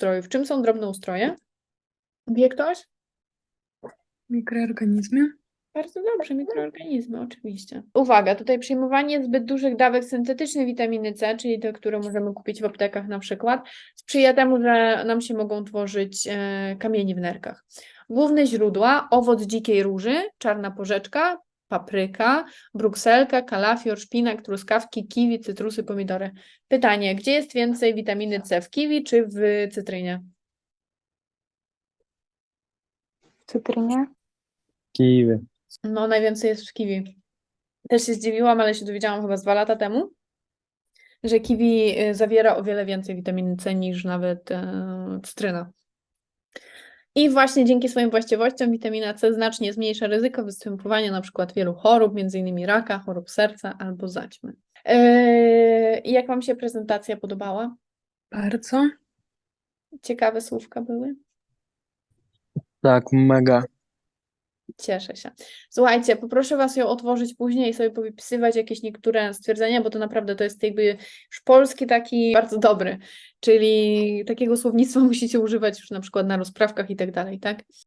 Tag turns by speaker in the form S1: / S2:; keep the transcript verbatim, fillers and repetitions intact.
S1: ustrojów. Czym są drobnoustroje? Wie ktoś?
S2: Mikroorganizmy.
S1: Bardzo dobrze, mikroorganizmy, oczywiście. Uwaga, tutaj przyjmowanie zbyt dużych dawek syntetycznej witaminy C, czyli te, które możemy kupić w aptekach na przykład, sprzyja temu, że nam się mogą tworzyć e, kamienie w nerkach. Główne źródła: owoc dzikiej róży, czarna porzeczka, papryka, brukselka, kalafior, szpinak, truskawki, kiwi, cytrusy, pomidory. Pytanie, gdzie jest więcej witaminy C, w kiwi czy w cytrynie?
S2: W cytrynie.
S3: Kiwi.
S1: No, najwięcej jest w kiwi. Też się zdziwiłam, ale się dowiedziałam chyba z dwa lata temu, że kiwi y, zawiera o wiele więcej witaminy C niż nawet e, cytryna. I właśnie dzięki swoim właściwościom witamina C znacznie zmniejsza ryzyko występowania na przykład wielu chorób, między innymi raka, chorób serca albo zaćmy. Yy, jak Wam się prezentacja podobała?
S2: Bardzo.
S1: Ciekawe słówka były?
S3: Tak, mega.
S1: Cieszę się. Słuchajcie, poproszę Was ją otworzyć później i sobie powypisywać jakieś niektóre stwierdzenia, bo to naprawdę to jest jakby już polski taki bardzo dobry, czyli takiego słownictwa musicie używać już na przykład na rozprawkach i tak dalej, tak?